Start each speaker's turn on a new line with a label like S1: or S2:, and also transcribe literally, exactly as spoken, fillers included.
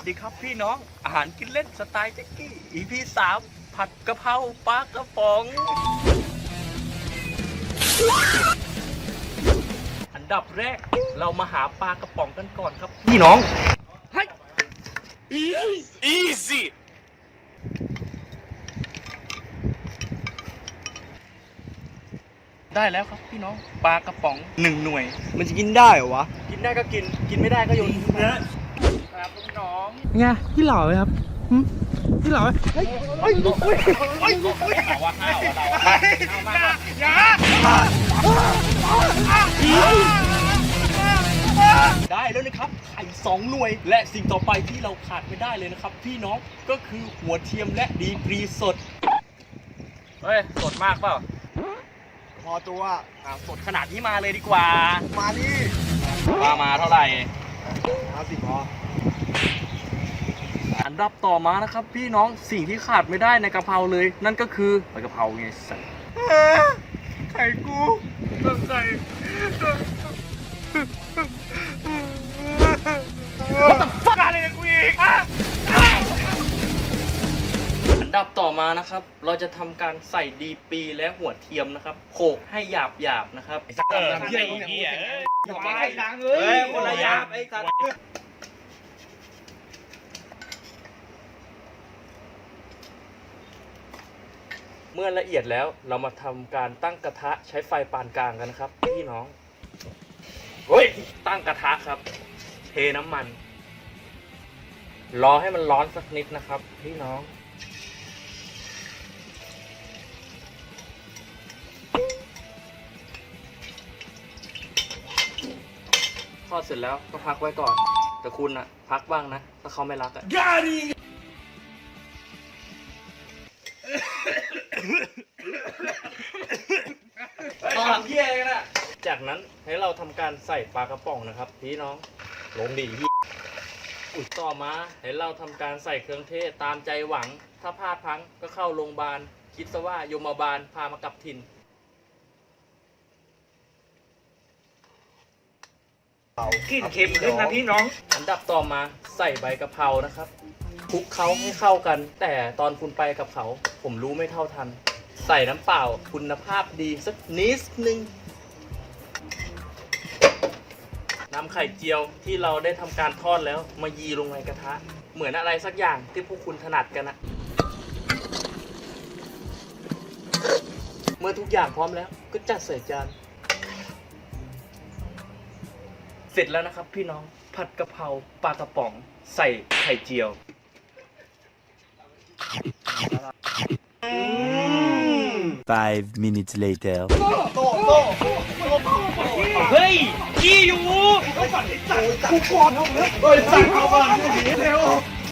S1: ดีครับพี่น้องอาหารกินเล่นสไตล์แจ็คกี้ อี พี สามผัดกะเพราปลากระป๋อง อันดับแรกเรามาหาปลากระป๋องกันก่อนครับพี่น้องเฮ้ย
S2: Easy
S1: ได้แล้วครับพี่น้องปลากระป๋องหนึ่งหน่วย
S3: มันจะกินได้เหรอวะ
S1: กินได้ก็กินกินไม่ได้ก็โยนทิ้งนะครับน้อง
S3: ไงพี่เหล่าไหมครับหึพี่เหล่าไหมเฮ้ยเฮ้ยลุกเว้ยเฮ้ยลุกเว้ย
S1: ๆว่าข้าวเราอย่าได้แล้วนะครับไข่สองหน่วย และสิ่งต่อไปที่เราขาดไม่ได้เลยนะครับ พี่น้องก็คือหัวเทียมและดีกรีสดเฮ้ยสดมากเปล่า
S3: พอตัว
S1: อ่าสดขนาดนี้มาเลยดีกว่า
S3: มาดิ
S1: ว่ามาเท่าไหร่
S3: มาสิพอ
S1: อันดับต่อมานะครับ พี่น้องสิ่งที่ขาดไม่ได้ในกะเพราเลย นั่นก็คือใบกะเพราไงสัส
S3: ไข่กูก็ไข่
S1: ฟักอะไรเนี่ยกูอีกอันดับต่อมานะครับ เราจะทำการใส่ดีปีและหัวเทียมนะครับโขลกให้หยาบหยาบๆนะครับ
S2: เออเฮียเฮีย
S3: อย่าไปดังเล
S1: เฮ้
S3: ย
S1: ยคนละหยาบไอ้สัสเมื่อละเอียดแล้วเรามาทำการตั้งกระทะใช้ไฟปานกลางกันนะครับพี่น้องเฮ้ยตั้งกระทะครับ เทน้ำมัน รอให้มันร้อนสักนิดนะครับพี่น้องทอดเสร็จแล้วก็พักไว้ก่อน แต่คุณอะพักบ้างนะถ้าเขาไม่รักอะ ตอนเยี่ยกันอะจากนั้นให้เราทำการใส่ปลากระป๋องนะครับพี่น้องลงดีพี่อุดต่อมาให้เราทำการใส่เครื่องเทศตามใจหวัง ถ้าพลาดพลั้งก็เข้าโรงพยาบาลคิดซะว่าโยมบาลพามากลับถิ่นกลิ่นเค็มขึ้นนะพี่น้อง อันดับต่อมาใส่ใบกะเพรานะครับคลุกเคล้าให้เข้ากัน แต่ตอนคุณไปกับเขาผมรู้ไม่เท่าทัน ใส่น้ำเปล่าคุณภาพดีสักนิดนึงนำไข่เจียวที่เราได้ทำการทอดแล้วมายีลงในกระทะ เหมือนอะไรสักอย่างที่พวกคุณถนัดกันนะเมื่อทุกอย่างพร้อมแล้วก็จัดใส่จานเสร็จแล้วนะครับพี่น้องผัดกะเพราปลากระป๋องใส่ไข่เจียว
S4: Five minutes later.
S1: เฮ้ยขี้อยู่
S3: กูกอดเอาเลยเฮ้ยสั่งเอาบ้านเร็ว